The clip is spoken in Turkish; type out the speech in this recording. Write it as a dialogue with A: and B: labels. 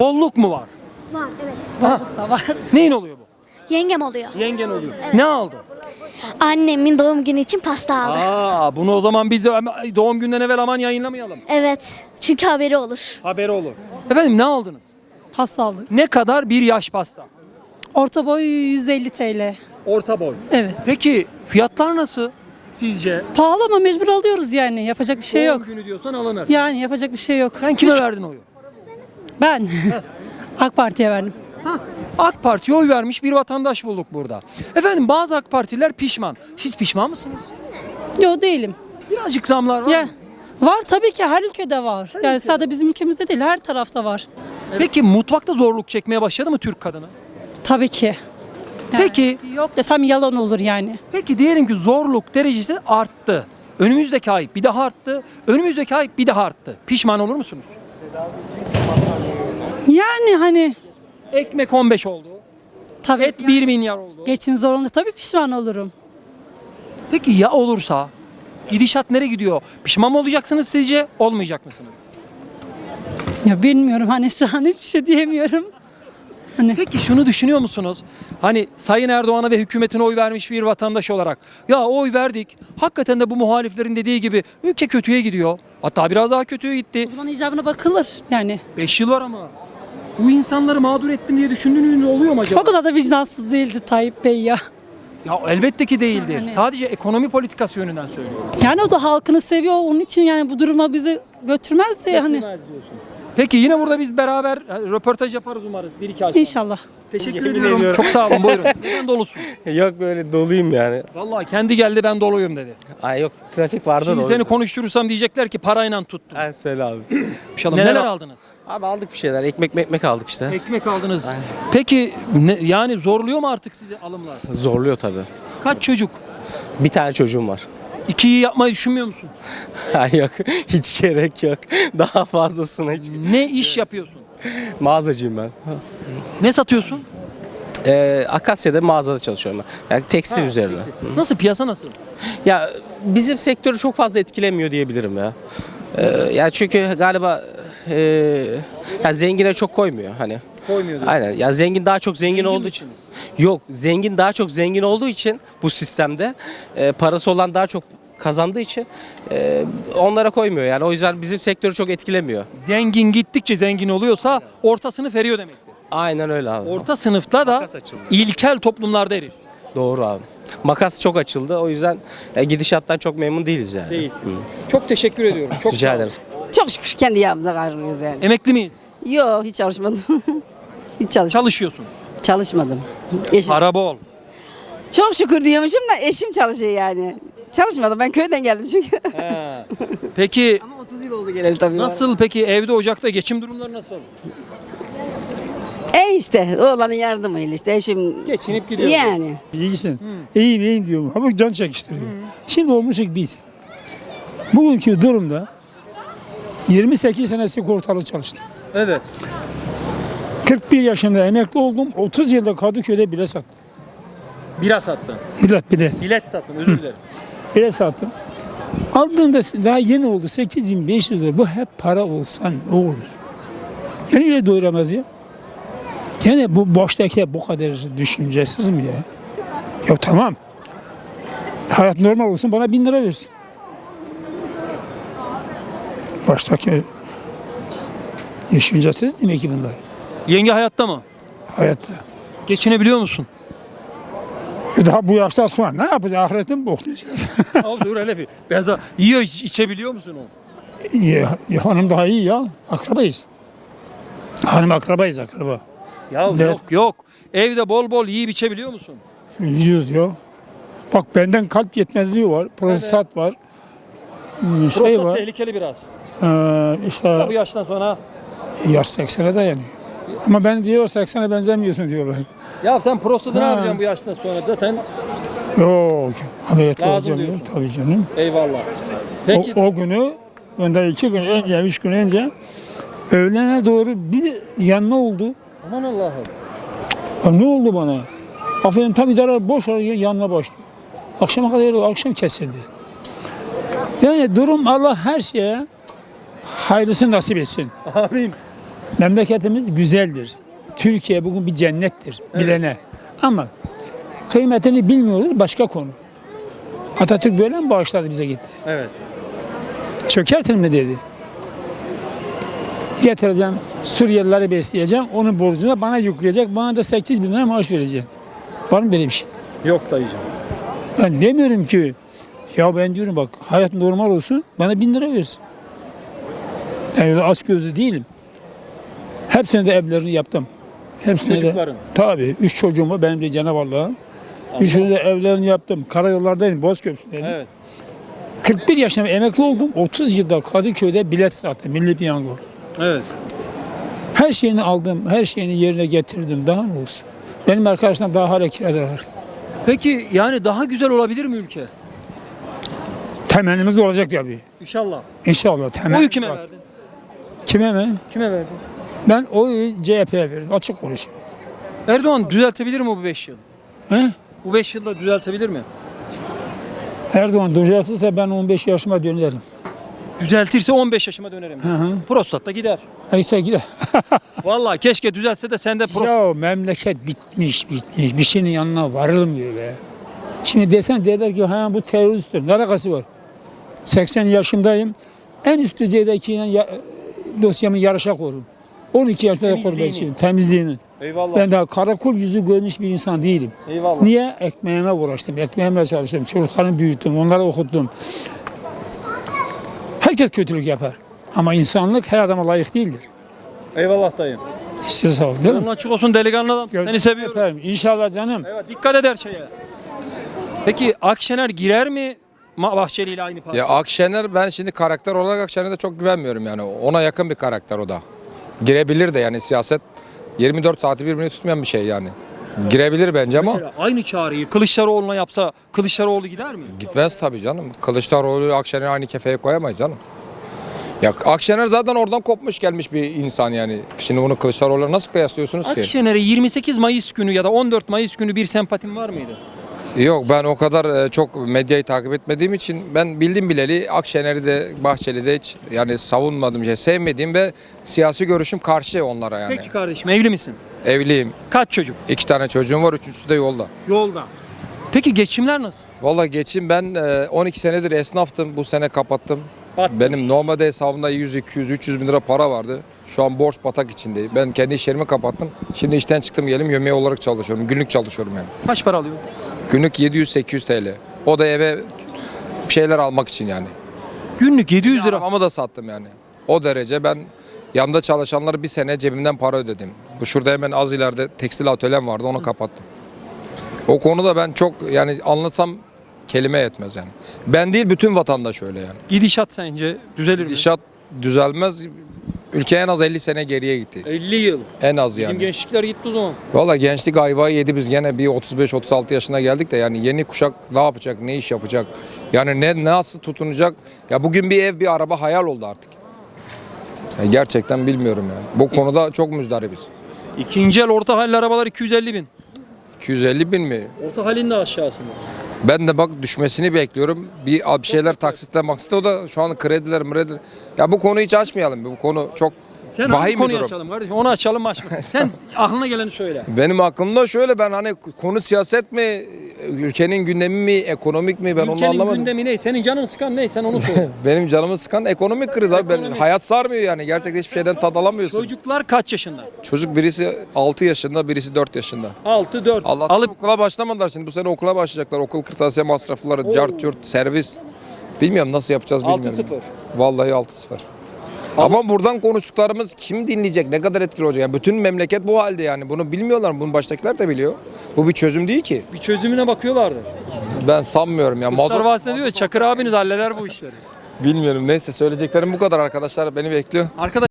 A: Bolluk mu var?
B: Var evet.
A: Bolluk
C: da var.
A: Neyin oluyor bu?
B: Yengem oluyor.
A: Yengen oluyor. Ne aldı?
B: Annemin doğum günü için pasta aldı.
A: Bunu o zaman biz doğum günden evvel aman yayınlamayalım.
B: Evet. Çünkü haberi olur.
A: Haberi olur. Efendim ne aldınız?
C: Pasta aldık.
A: Ne kadar bir yaş pasta?
C: Orta boy 150 TL.
A: Orta boy.
C: Evet.
A: Peki fiyatlar nasıl sizce?
C: Pahalı ama mecbur alıyoruz yani. Yapacak bir şey
A: Doğum
C: yok.
A: günü diyorsan alınır.
C: Yani yapacak bir şey yok.
A: Sen kime verdin oyu?
C: Ben AK Parti'ye verdim.
A: AK Parti'ye oy vermiş bir vatandaş bulduk burada. Efendim bazı AK Partililer pişman. Siz pişman mısınız?
C: Yok değilim.
A: Birazcık zamlar var
C: Ya
A: mı?
C: var tabii ki her ülkede var. Yani sadece bizim ülkemizde değil her tarafta var.
A: Peki mutfakta zorluk çekmeye başladı mı Türk kadını?
C: Tabii ki. Yani
A: Peki,
C: yok desem yalan olur yani.
A: peki diyelim ki zorluk derecesi arttı. Önümüzdeki ay bir daha arttı. Önümüzdeki ay bir daha arttı. Pişman olur musunuz?
C: Yani hani
A: Ekmek 15 oldu.
C: tabii
A: Et 1 milyar oldu.
C: geçim zorunda tabii pişman olurum.
A: Peki ya olursa? Gidişat nereye gidiyor? Pişman mı olacaksınız sizce? Olmayacak mısınız?
C: Ya bilmiyorum hani şu an hiçbir şey diyemiyorum. Hani
A: Peki şunu düşünüyor musunuz? Hani Sayın Erdoğan'a ve hükümetine oy vermiş bir vatandaş olarak ya oy verdik. Hakikaten de bu muhaliflerin dediği gibi ülke kötüye gidiyor. Hatta biraz daha kötüye gitti.
C: o zaman icabına bakılır yani.
A: 5 yıl var ama. Bu insanları mağdur ettim diye düşündüğünüz oluyor mu acaba?
C: O kadar da vicdansız değildi Tayyip Bey ya.
A: Ya elbette ki değildir.
C: Yani.
A: Sadece ekonomi politikası yönünden söylüyorum.
C: Yani o da halkını seviyor onun için yani bu duruma bizi götürmezse hani
A: Peki yine burada biz beraber röportaj yaparız umarız. 1-2 ay sonra.
C: inşallah.
A: Teşekkür
D: Yemin
A: ediyorum.
D: ediyorum.
A: Çok sağ olun buyurun. Neden dolusun?
D: Yok böyle doluyum yani.
A: Vallahi kendi geldi ben doluyum dedi.
D: Ay yok trafik vardı
A: Şimdi
D: da o
A: seni
D: yüzden.
A: konuşturursam diyecekler ki parayla tuttum.
D: Ay söyle abi.
A: Neler aldınız?
D: Abi aldık bir şeyler. Ekmek aldık işte.
A: Ekmek aldınız. Peki yani zorluyor mu artık sizi alımlar?
D: Zorluyor tabii.
A: Kaç çocuk?
D: Bir tane çocuğum var.
A: 2'yi yapmayı düşünmüyor musun?
D: Ay yok hiç gerek yok. Daha fazlasına hiç.
A: Ne iş yapıyorsun?
D: Mağazacıyım ben.
A: Ne satıyorsun?
D: Akasya'da mağazada çalışıyorum ben. Yani tekstil üzerine.
A: Nasıl piyasa nasıl?
D: Ya bizim sektörü çok fazla etkilemiyor diyebilirim ya. Yani çünkü galiba ya zengine çok koymuyor hani.
A: Koymuyor.
D: Aynen. Ya zengin daha çok zengin olduğu için. Yok, zengin daha çok zengin olduğu için bu sistemde parası olan daha çok kazandığı için onlara koymuyor. Yani o yüzden bizim sektörü çok etkilemiyor.
A: Zengin gittikçe zengin oluyorsa orta sınıf eriyor demektir.
D: Aynen öyle abi.
A: Orta sınıfta da
D: Makas açıldı.
A: ilkel toplumlarda erir.
D: Doğru abi. Makas çok açıldı. O yüzden gidişattan çok memnun değiliz yani.
A: Değiliz.
D: Hı.
A: Çok teşekkür ediyorum. Çok
D: Rica
A: sağ olun.
D: ederim.
E: Çok şükür kendi yağımıza kavruluyoruz yani.
A: Emekli miyiz?
E: Yok hiç çalışmadım. hiç
A: Çalışıyorsun.
E: çalışmadım. Eşim.
A: Para bol.
E: Çok şükür diyormuşum da eşim çalışıyor yani. Çalışmadım ben köyden geldim çünkü.
A: He. Peki
E: Ama 30 yıl oldu geleli tabii.
A: nasıl peki evde ocakta geçim durumları nasıl?
E: İşte oğlanın yardımıyla işte eşim.
A: Geçinip gidiyor.
E: Yani.
F: İyisin. İyiyim iyiyim diyorum. Ama can çekiştiriyor. Şimdi olmuşuk biz. Bugünkü durumda 28 sene sigortalı çalıştım.
A: Evet.
F: 41 yaşında emekli oldum. 30 yılda Kadıköy'de bile sattım.
A: Bira sattın. Bilet sattın özür dilerim.
F: Bile sattım. Aldığında daha yeni oldu 8.500 lira. Bu hep para olsan o olur. Beni bile doyuramaz ya. Yani bu baştaki bu kadar düşüncesiz mi ya? Ya tamam. Hayat normal olsun bana 1000 lira versin. Baştaki düşüncesiz demek ki bunlar.
A: Yenge hayatta mı?
F: Hayatta.
A: Geçinebiliyor musun?
F: Daha bu yaştan sonra ne yapacağız? Ahirette mi boklayacağız?
A: Dur hele bir. Benza yiyor içebiliyor musun o?
F: ya hanım daha iyi ya. Akrabayız. Hanım akrabayız akraba.
A: Ya
F: Evet.
A: yok. Evde bol bol yiyip içebiliyor musun?
F: Yiyoruz ya. Bak benden kalp yetmezliği var. Prostat var. Şey
A: Prostat
F: var.
A: tehlikeli biraz.
F: İşte
A: Bu yaştan sonra.
F: yaş 80'e dayanıyor. Ama ben diyor 80'e benzemiyorsun diyorlar.
A: Ya sen prostatını
F: Ha.
A: yapacaksın bu yaştan sonra zaten.
F: Yok. Ameliyatla
A: Lazım
F: olacağım ya.
A: diyorsun.
F: Tabii canım.
A: Eyvallah. Peki
F: O günü, önden 2 gün önce, 3 gün önce öğlene doğru bir yanma oldu.
A: aman Allah'ım.
F: Ya ne oldu bana? Aferin tam idare boş araya yanma başlıyor. Akşama kadar akşam kesildi. Yani durum Allah her şeye hayırlısını nasip etsin.
A: Amin.
F: Memleketimiz güzeldir. Türkiye bugün bir cennettir bilene. Ama kıymetini bilmiyoruz, başka konu. Atatürk böyle mi bağışladı bize gitti?
A: Evet.
F: Çökertin mi dedi. Getireceğim, Suriyelileri besleyeceğim, onun borcunu bana yükleyecek, bana da 8 bin lira maaş verecek. Var mı böyle bir şey?
A: Yok dayıcım.
F: Ben demiyorum ki, ya ben diyorum bak hayat normal olsun, bana 1000 lira versin. Ben öyle aç gözlü değilim. Hepsine de evlerini yaptım. Hepsine
A: Çocukların?
F: de. Tabii. 3 çocuğum var benim de Cenab-ı Allah'ın. Üçünü de evlerini yaptım. Karayollardaydım, Bozköprü'deydim.
A: Evet.
F: 41 yaşında emekli oldum. 30 yılda Kadıköy'de bilet sattım. Milli Piyango.
A: Evet.
F: Her şeyini aldım, her şeyini yerine getirdim. Daha ne olsun? Benim arkadaşlarım daha hala kirada var.
A: Peki yani daha güzel olabilir mi ülke?
F: Temennimiz de olacak tabii.
A: İnşallah.
F: İnşallah. Temenni
A: Oyu kime
F: var.
A: verdin?
F: Kime mi?
A: Kime verdin?
F: Ben oyu CHP'ye verdim. Açık konuşayım.
A: Erdoğan düzeltebilir mi bu 5 yıl?
F: He?
A: Bu 5 yılda düzeltebilir mi?
F: Erdoğan düzeltirse ben 15 yaşıma dönerim.
A: Düzeltirse 15 yaşıma dönerim.
F: Hı.
A: Prostat da gider.
F: Neyse gider.
A: Vallahi keşke düzelse de sen de
F: Ya memleket bitmiş. Bir şeyin yanına varılmıyor be. Şimdi desen derler ki ha bu teröristtir. Ne alakası var? 80 yaşındayım. En üst düzeydeki dosyamı yarışa korum. 12 yaşında da korum ben şimdi temizliğini.
A: Eyvallah.
F: Ben daha karakol yüzü görmüş bir insan değilim.
A: Eyvallah.
F: Niye? Ekmeğime uğraştım. Ekmeğimle çalıştım. Çocuklarımı büyüttüm. Onları okuttum. Herkes kötülük yapar. Ama insanlık her adama layık değildir.
A: Eyvallah dayım.
F: Size sağ olun. Değil mi?
A: Yolun açık olsun delikanlı adam. Seni seviyorum.
F: Efendim, İnşallah canım.
A: Evet, dikkat eder şeye. Peki Akşener girer mi Bahçeli ile aynı parti?
G: Ya Akşener ben şimdi karakter olarak Akşener'e çok güvenmiyorum yani. Ona yakın bir karakter o da. Girebilir de yani siyaset 24 saati birbirini tutmayan bir şey yani. Girebilir bence ama
A: Mesela aynı çağrıyı Kılıçdaroğlu'na yapsa Kılıçdaroğlu gider mi?
G: gitmez tabii canım. Kılıçdaroğlu Akşener'i aynı kefeye koyamayız canım. Ya Akşener zaten oradan kopmuş gelmiş bir insan yani. Şimdi bunu Kılıçdaroğlu'na nasıl kıyaslıyorsunuz ki?
A: Akşener'e 28 Mayıs günü ya da 14 Mayıs günü bir sempatin var mıydı?
G: Yok ben o kadar çok medyayı takip etmediğim için ben bildim bileli Akşener'i de Bahçeli'de de hiç yani savunmadığım şey sevmediğim ve siyasi görüşüm karşı onlara yani.
A: Peki kardeşim evli misin?
G: Evliyim.
A: Kaç çocuk?
G: 2 tane çocuğum var. Üçüncüsü de yolda.
A: Yolda. Peki geçimler nasıl?
G: Vallahi geçim ben 12 senedir esnaftım. Bu sene kapattım.
A: Battı.
G: Benim normalde hesabımda 100, 200, 300 bin lira para vardı. Şu an borç batak içindeyim. Ben kendi iş yerimi kapattım. Şimdi işten çıktım gelim yemeği olarak çalışıyorum. Günlük çalışıyorum yani.
A: Kaç para alıyor?
G: Günlük 700-800 TL. O da eve bir şeyler almak için yani.
A: Günlük 700 lira.
G: Arabamı da sattım yani. O derece ben yanında çalışanlara bir sene cebimden para ödedim. Bu şurada hemen az ileride tekstil atölyem vardı onu kapattım. O konuda ben çok yani anlatsam kelime yetmez yani. Ben değil bütün vatandaş öyle yani.
A: Gidişat sence düzelir mi?
G: Gidişat düzelmez. Ülke en az 50 sene geriye gitti.
A: 50 yıl.
G: En az
A: Bizim
G: yani.
A: gençlikler gitti o zaman.
G: Valla gençlik ayvayı yedi biz gene bir 35-36 yaşına geldik de yani yeni kuşak ne yapacak, ne iş yapacak? Yani ne nasıl tutunacak? Ya bugün bir ev, bir araba hayal oldu artık. Ya gerçekten bilmiyorum yani. Bu konuda çok müzdaribiz.
A: İkinci el orta halli arabalar 250 bin.
G: 250 bin mi?
A: Orta halin de aşağısında.
G: Ben de bak düşmesini bekliyorum. Bir şeyler taksitle maksitle o da şu an krediler. Ya bu konuyu hiç açmayalım. Bu konu çok
A: Sen hangi
G: vahim bir
A: konuyu
G: durum.
A: açalım kardeşim? Onu açalım mı açmayalım? Sen aklına geleni söyle.
G: Benim aklımda şöyle ben hani konu siyaset mi, ülkenin gündemi mi, ekonomik mi ben onu
A: Ülkenin
G: anlamadım.
A: gündemi ne? Senin canın sıkan ne? Sen onu söyle.
G: Benim canımı sıkan ekonomik kriz abi. Ben,
A: Ekonomik.
G: hayat sarmıyor yani. Gerçekten hiçbir şeyden tad alamıyorsun.
A: Çocuklar kaç yaşında?
G: Çocuk birisi 6 yaşında, birisi 4 yaşında.
A: 6, 4.
G: Allah'tan
A: Alıp
G: okula başlamadılar şimdi. Bu sene okula başlayacaklar. Okul kırtasiye masrafları, cart curt, servis. Bilmiyorum nasıl yapacağız bilmiyorum.
A: 6-0.
G: Vallahi 6-0. Ama buradan konuştuklarımız kim dinleyecek? Ne kadar etkili olacak? Yani bütün memleket bu halde yani. Bunu bilmiyorlar. Bunu baştakiler de biliyor. Bu bir çözüm değil ki.
A: bir çözümüne bakıyorlardı.
G: Ben sanmıyorum ya.
A: Kurtlar Vadisi'nde diyor ya, Çakır abiniz halleder bu işleri.
G: Bilmiyorum. Neyse söyleyeceklerim bu kadar arkadaşlar. Beni bekliyor.
A: Arkadaş